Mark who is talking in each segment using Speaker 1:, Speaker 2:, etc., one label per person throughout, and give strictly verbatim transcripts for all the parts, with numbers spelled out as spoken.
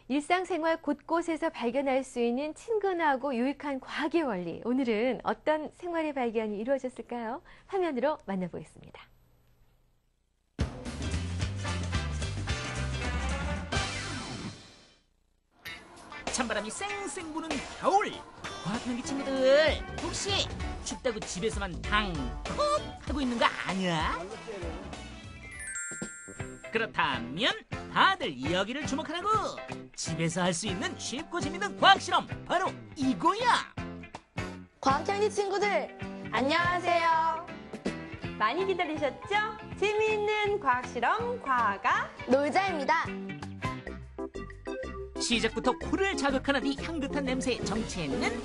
Speaker 1: 일상생활 곳곳에서 발견할 수 있는 친근하고 유익한 과학의 원리. 오늘은 어떤 생활의 발견이 이루어졌을까요? 화면으로 만나보겠습니다.
Speaker 2: 찬바람이 쌩쌩 부는 겨울. 과학연기 친구들, 혹시 춥다고 집에서만 방콕 하고 있는 거 아니야? 그렇다면 다들 여기를 주목하라고. 집에서 할 수 있는 쉽고 재밌는 과학 실험, 바로 이거야.
Speaker 3: 과학연기 친구들, 안녕하세요.
Speaker 4: 많이 기다리셨죠? 재미있는 과학 실험 과가
Speaker 3: 놀자입니다.
Speaker 2: 시작부터 코를 자극하는 이 향긋한 냄새의 정체는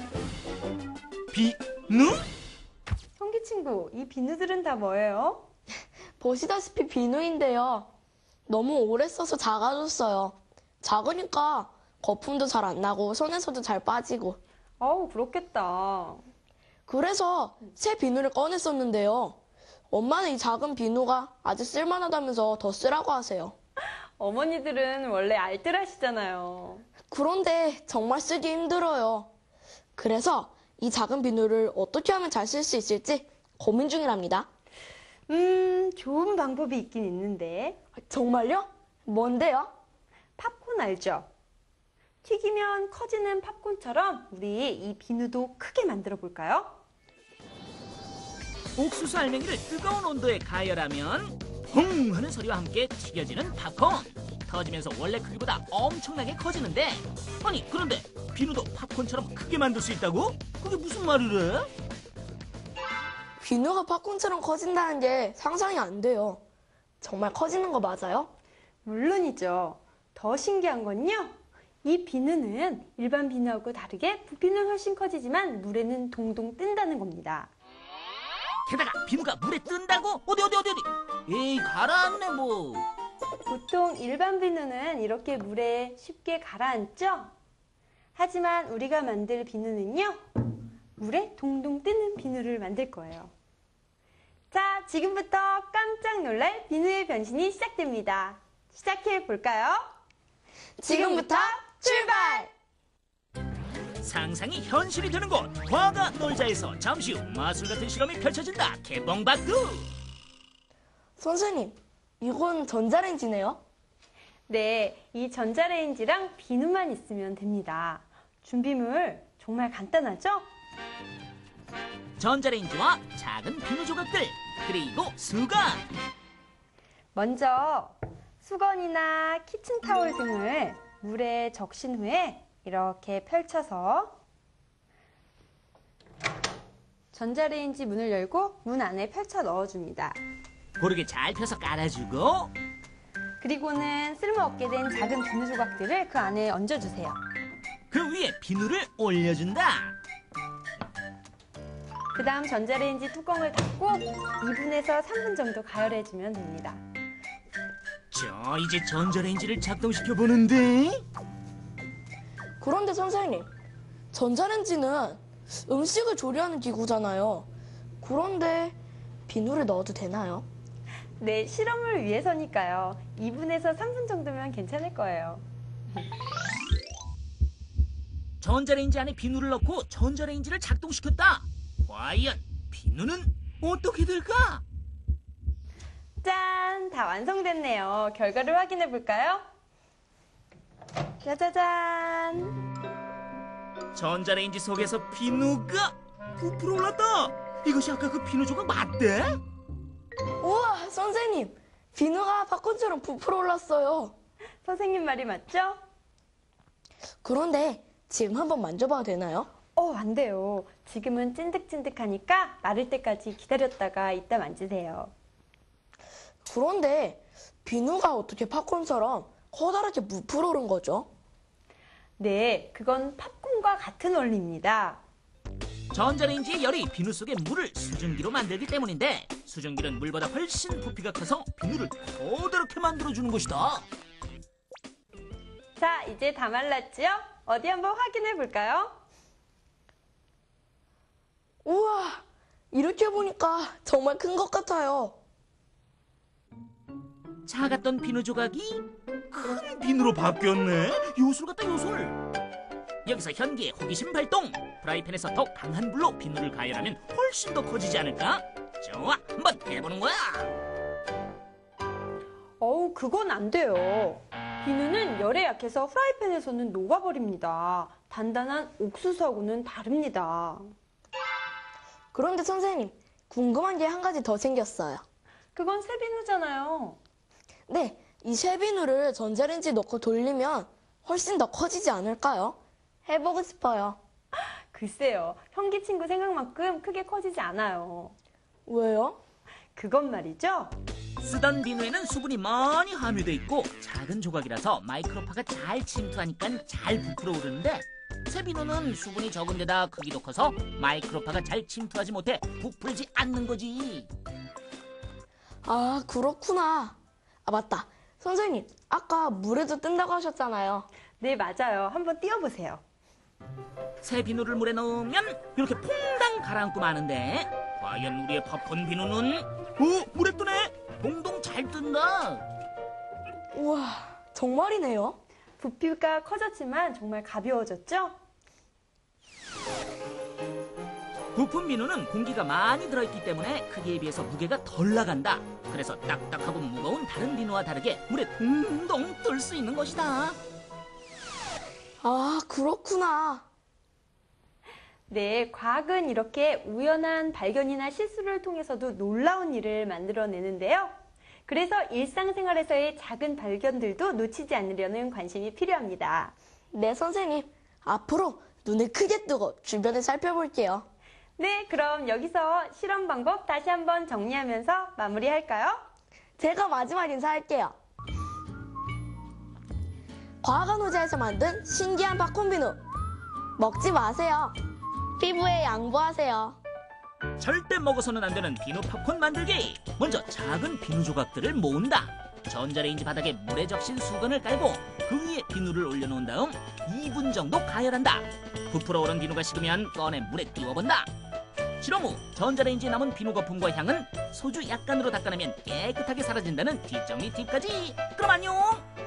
Speaker 2: 비누?
Speaker 4: 성기 친구, 이 비누들은 다 뭐예요?
Speaker 3: 보시다시피 비누인데요. 너무 오래 써서 작아졌어요. 작으니까 거품도 잘 안 나고 손에서도 잘 빠지고.
Speaker 4: 어우, 그렇겠다.
Speaker 3: 그래서 새 비누를 꺼냈었는데요. 엄마는 이 작은 비누가 아주 쓸만하다면서 더 쓰라고 하세요.
Speaker 4: 어머니들은 원래 알뜰하시잖아요.
Speaker 3: 그런데 정말 쓰기 힘들어요. 그래서 이 작은 비누를 어떻게 하면 잘 쓸 수 있을지 고민 중이랍니다.
Speaker 4: 음, 좋은 방법이 있긴 있는데.
Speaker 3: 정말요? 뭔데요?
Speaker 4: 팝콘 알죠? 튀기면 커지는 팝콘처럼 우리 이 비누도 크게 만들어 볼까요?
Speaker 2: 옥수수 알맹이를 뜨거운 온도에 가열하면 퐁 하는 소리와 함께 튀겨지는 팝콘. 터지면서 원래 크기보다 엄청나게 커지는데, 아니 그런데 비누도 팝콘처럼 크게 만들 수 있다고? 그게 무슨 말이래?
Speaker 3: 비누가 팝콘처럼 커진다는 게 상상이 안 돼요. 정말 커지는 거 맞아요?
Speaker 4: 물론이죠. 더 신기한 건요. 이 비누는 일반 비누하고 다르게 부피는 훨씬 커지지만 물에는 동동 뜬다는 겁니다.
Speaker 2: 게다가 비누가 물에 뜬다고? 어디 어디 어디 어디? 에이 가라앉네 뭐.
Speaker 4: 보통 일반 비누는 이렇게 물에 쉽게 가라앉죠? 하지만 우리가 만들 비누는요, 물에 동동 뜨는 비누를 만들 거예요. 자, 지금부터 깜짝 놀랄 비누의 변신이 시작됩니다. 시작해 볼까요?
Speaker 3: 지금부터 출발!
Speaker 2: 상상이 현실이 되는 곳, 과가 놀자에서 잠시 후 마술 같은 실험이 펼쳐진다. 개봉박두.
Speaker 3: 선생님, 이건 전자레인지네요?
Speaker 4: 네, 이 전자레인지랑 비누만 있으면 됩니다. 준비물 정말 간단하죠?
Speaker 2: 전자레인지와 작은 비누 조각들, 그리고 수건.
Speaker 4: 먼저 수건이나 키친타올 등을 물에 적신 후에 이렇게 펼쳐서 전자레인지 문을 열고 문 안에 펼쳐 넣어줍니다.
Speaker 2: 고르게 잘 펴서 깔아주고,
Speaker 4: 그리고는 쓸모없게 된 작은 비누 조각들을 그 안에 얹어주세요.
Speaker 2: 그 위에 비누를 올려준다.
Speaker 4: 그 다음 전자레인지 뚜껑을 닫고 이 분에서 삼 분 정도 가열해주면 됩니다.
Speaker 2: 자, 이제 전자레인지를 작동시켜 보는데.
Speaker 3: 그런데 선생님, 전자레인지는 음식을 조리하는 기구잖아요. 그런데 비누를 넣어도 되나요?
Speaker 4: 네, 실험을 위해서니까요. 이 분에서 삼 분 정도면 괜찮을 거예요.
Speaker 2: 전자레인지 안에 비누를 넣고 전자레인지를 작동시켰다. 과연 비누는 어떻게 될까?
Speaker 4: 짠! 다 완성됐네요. 결과를 확인해 볼까요? 짜자잔!
Speaker 2: 전자레인지 속에서 비누가 부풀어 올랐다. 이것이 아까 그 비누 조각 맞대?
Speaker 3: 우와, 선생님, 비누가 팝콘처럼 부풀어 올랐어요.
Speaker 4: 선생님 말이 맞죠?
Speaker 3: 그런데 지금 한번 만져봐도 되나요?
Speaker 4: 어, 안 돼요. 지금은 찐득찐득하니까 마를 때까지 기다렸다가 이따 만지세요.
Speaker 3: 그런데 비누가 어떻게 팝콘처럼 커다랗게 부풀어 오른 거죠?
Speaker 4: 네, 그건 팝콘과 같은 원리입니다.
Speaker 2: 전자레인지의 열이 비누 속의 물을 수증기로 만들기 때문인데, 수증기는 물보다 훨씬 부피가 커서 비누를 커다랗게 만들어주는 것이다.
Speaker 4: 자, 이제 다 말랐지요? 어디 한번 확인해 볼까요?
Speaker 3: 우와, 이렇게 보니까 정말 큰 것 같아요.
Speaker 2: 작았던 비누 조각이 큰 비누로 바뀌었네. 요술 같다, 요술. 여기서 현기의 호기심 발동. 프라이팬에서 더 강한 불로 비누를 가열하면 훨씬 더 커지지 않을까? 좋아, 한번 해보는 거야.
Speaker 4: 어우, 그건 안 돼요. 비누는 열에 약해서 프라이팬에서는 녹아버립니다. 단단한 옥수수하고는 다릅니다.
Speaker 3: 그런데 선생님, 궁금한 게 한 가지 더 생겼어요.
Speaker 4: 그건 쇠비누잖아요.
Speaker 3: 네, 이 쇠비누를 전자레인지에 넣고 돌리면 훨씬 더 커지지 않을까요? 해보고 싶어요.
Speaker 4: 글쎄요, 현기 친구 생각만큼 크게 커지지 않아요.
Speaker 3: 왜요?
Speaker 4: 그건 말이죠.
Speaker 2: 쓰던 비누에는 수분이 많이 함유돼 있고 작은 조각이라서 마이크로파가 잘 침투하니까 잘 부풀어 오르는데, 새 비누는 수분이 적은 데다 크기도 커서 마이크로파가 잘 침투하지 못해 부풀지 않는 거지.
Speaker 3: 아, 그렇구나. 아, 맞다. 선생님, 아까 물에도 뜬다고 하셨잖아요.
Speaker 4: 네, 맞아요. 한번 띄워보세요.
Speaker 2: 새 비누를 물에 넣으면 이렇게 퐁당 가라앉고 마는데, 과연 우리의 팝콘 비누는 어? 물에 뜨네? 동동 잘 뜬다.
Speaker 3: 우와, 정말이네요.
Speaker 4: 부피가 커졌지만 정말 가벼워졌죠?
Speaker 2: 부품 비누는 공기가 많이 들어있기 때문에 크기에 비해서 무게가 덜 나간다. 그래서 딱딱하고 무거운 다른 비누와 다르게 물에 동동 뜰 수 있는 것이다.
Speaker 3: 아, 그렇구나.
Speaker 4: 네, 과학은 이렇게 우연한 발견이나 실수를 통해서도 놀라운 일을 만들어내는데요. 그래서 일상생활에서의 작은 발견들도 놓치지 않으려는 관심이 필요합니다.
Speaker 3: 네, 선생님. 앞으로 눈을 크게 뜨고 주변을 살펴볼게요.
Speaker 4: 네, 그럼 여기서 실험 방법 다시 한번 정리하면서 마무리할까요?
Speaker 3: 제가 마지막 인사할게요. 과학원 의자에서 만든 신기한 팝콘 비누. 먹지 마세요. 피부에 양보하세요.
Speaker 2: 절대 먹어서는 안 되는 비누 팝콘 만들기. 먼저 작은 비누 조각들을 모은다. 전자레인지 바닥에 물에 적신 수건을 깔고 그 위에 비누를 올려놓은 다음 이 분 정도 가열한다. 부풀어 오른 비누가 식으면 꺼내 물에 띄워본다. 실험 후 전자레인지에 남은 비누 거품과 향은 소주 약간으로 닦아내면 깨끗하게 사라진다는 뒷정리 팁까지. 그럼 안녕.